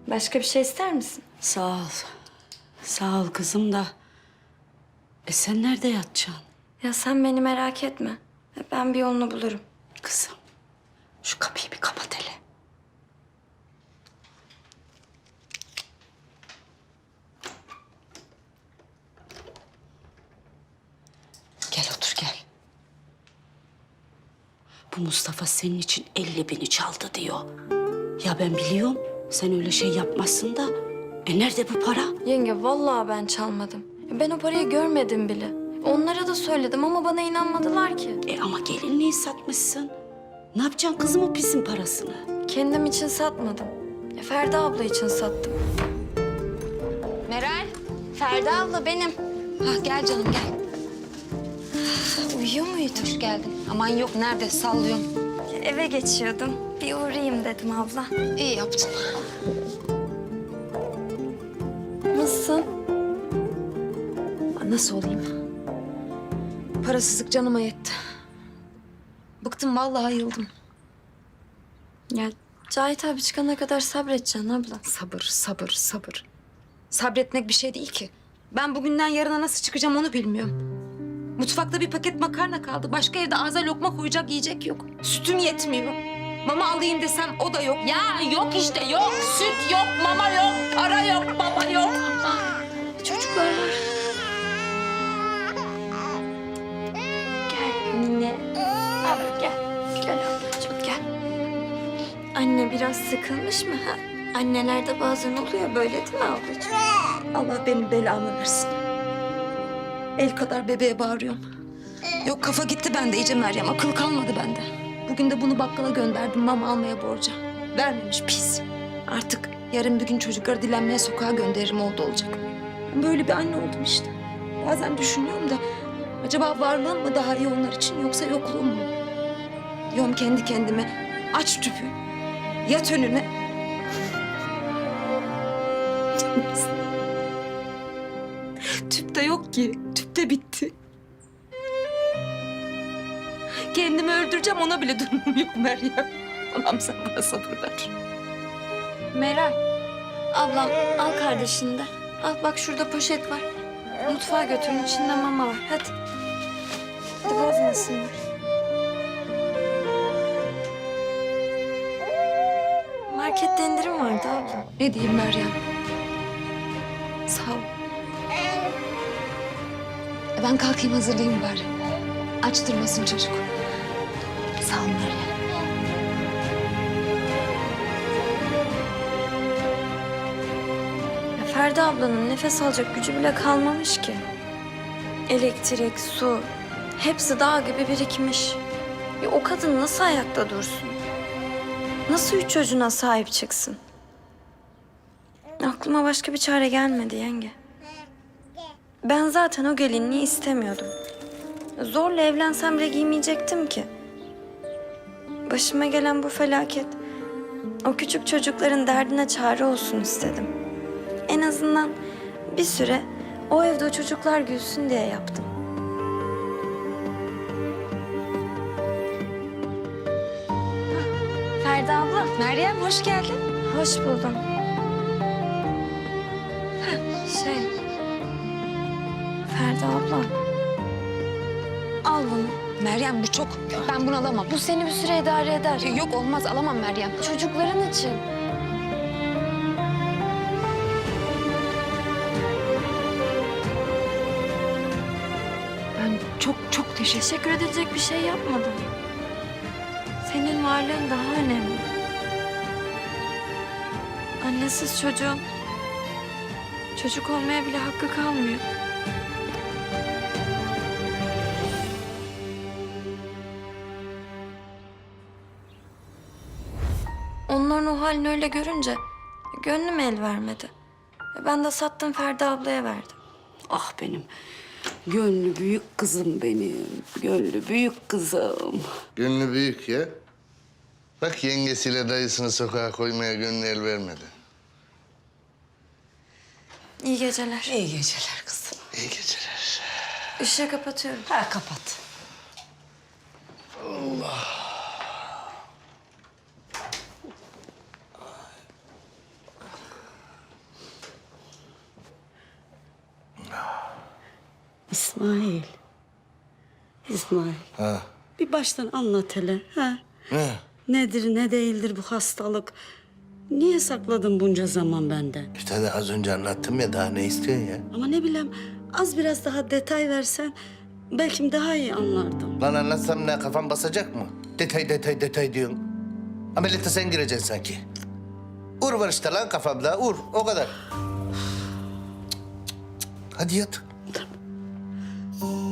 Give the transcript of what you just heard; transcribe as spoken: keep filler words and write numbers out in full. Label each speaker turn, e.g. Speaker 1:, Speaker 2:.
Speaker 1: Başka bir şey ister misin?
Speaker 2: Sağ ol. Sağ ol kızım da. E sen nerede yatacaksın?
Speaker 1: Ya sen beni merak etme. Ben bir yolunu bulurum.
Speaker 2: Kızım, şu kapıyı bir kapat hele. Gel otur gel. Bu Mustafa senin için elli bini çaldı diyor. Ya ben biliyorum sen öyle şey yapmazsın da. E nerede bu para?
Speaker 1: Yenge vallahi ben çalmadım. Ben o parayı görmedim bile. Onlara da söyledim ama bana inanmadılar ki.
Speaker 2: E ama gelinliği satmışsın. Ne yapacaksın kızım o pisin parasını?
Speaker 1: Kendim için satmadım. E, Ferda abla için sattım.
Speaker 3: Meral, Ferda abla benim. Hah, gel canım gel.
Speaker 1: Uyuyor muydu?
Speaker 3: Hoş geldin. Aman yok, nerede? Sallıyorum.
Speaker 1: Eve geçiyordum. Bir uğrayayım dedim abla.
Speaker 3: İyi yaptın.
Speaker 1: Nasılsın?
Speaker 3: Nasıl olayım? Parasızlık canıma yetti. Bıktım vallahi, yıldım.
Speaker 1: Ya Cahit abi çıkana kadar sabredeceksin abla.
Speaker 3: Sabır, sabır, sabır. Sabretmek bir şey değil ki. Ben bugünden yarına nasıl çıkacağım onu bilmiyorum. Mutfakta bir paket makarna kaldı. Başka evde ağza lokma koyacak yiyecek yok. Sütüm yetmiyor. Mama alayım desem o da yok.
Speaker 2: Ya yok işte yok. Süt yok, mama yok, para yok, baba yok.
Speaker 1: Çocuklar var. Gel anne. Abi gel. Gel ablacığım gel. Anne biraz sıkılmış mı? Ha? Annelerde bazen oluyor böyle değil mi ablacığım?
Speaker 3: Allah benim belamı versin. El kadar bebeğe bağırıyorum. Yok kafa gitti bende iyice Meryem. Akıl kalmadı bende. Bugün de bunu bakkala gönderdim mama almaya borca. Vermemiş pis. Artık yarın bir gün çocukları dilenmeye sokağa gönderirim oldu olacak. Ben böyle bir anne oldum işte. Bazen düşünüyorum da acaba varlığım mı daha iyi onlar için yoksa yokluğum mu? Diyorum kendi kendime aç tüpü, yat önüne. Tüp de yok ki. Tüp de bitti. Kendimi öldüreceğim ona bile durumum yok Meryem. Allah'ım sen bana sabır ver.
Speaker 1: Meral. Ablam al kardeşini de. Al bak şurada poşet var. Mutfağa götürün içinde mama var. Hadi. Hadi bozmasınlar. Markette indirim vardı abla.
Speaker 3: Ne diyeyim Meryem? Sağ ol. E ben kalkayım hazırlayayım bari. Aç durmasın çocuk. Sağ ol Meryem.
Speaker 1: Ya Ferda ablanın nefes alacak gücü bile kalmamış ki. Elektrik, su hepsi dağ gibi birikmiş. Ya o kadın nasıl ayakta dursun? Nasıl üç çocuğuna sahip çıksın? Aklıma başka bir çare gelmedi yenge. Ben zaten o gelinliği istemiyordum. Zorla evlensem bile giymeyecektim ki. Başıma gelen bu felaket o küçük çocukların derdine çare olsun istedim. En azından bir süre o evde o çocuklar gülsün diye yaptım. Ferda abla.
Speaker 3: Meryem hoş geldin.
Speaker 1: Hoş buldum. Şey... Ferda abla. Al bunu.
Speaker 3: Meryem bu çok. Ben bunu alamam.
Speaker 1: Bu seni bir süre idare eder.
Speaker 3: Yok olmaz alamam Meryem.
Speaker 1: Çocukların için.
Speaker 3: Ben çok çok teşekkür
Speaker 1: Teşekkür edilecek bir şey yapmadım. Senin varlığın daha önemli. Annesiz çocuğun çocuk olmaya bile hakkı kalmıyor. Onların o halini öyle görünce gönlüm el vermedi. Ben de sattım Ferda ablaya verdim.
Speaker 2: Ah benim gönlü büyük kızım benim. Gönlü büyük kızım.
Speaker 4: Gönlü büyük ya. Bak yengesiyle dayısını sokağa koymaya gönlü el vermedi.
Speaker 1: İyi geceler.
Speaker 2: İyi geceler kızım.
Speaker 4: İyi geceler.
Speaker 1: Işığı kapatıyorum.
Speaker 2: Ha kapat. İsmail. İsmail.
Speaker 4: Ha.
Speaker 2: Bir baştan anlat hele. Ha?
Speaker 4: Ne?
Speaker 2: Nedir ne değildir bu hastalık? Niye sakladın bunca zaman benden?
Speaker 4: İşte de az önce anlattım ya, daha ne istiyorsun ya?
Speaker 2: Ama ne bileyim az biraz daha detay versen belki daha iyi anlardım.
Speaker 4: Lan anlatsam ne, kafam basacak mı? Detay detay detay diyorsun. Ameliyata sen gireceksin sanki. Ur var işte lan kafamda, ur. O kadar. Hadi yat.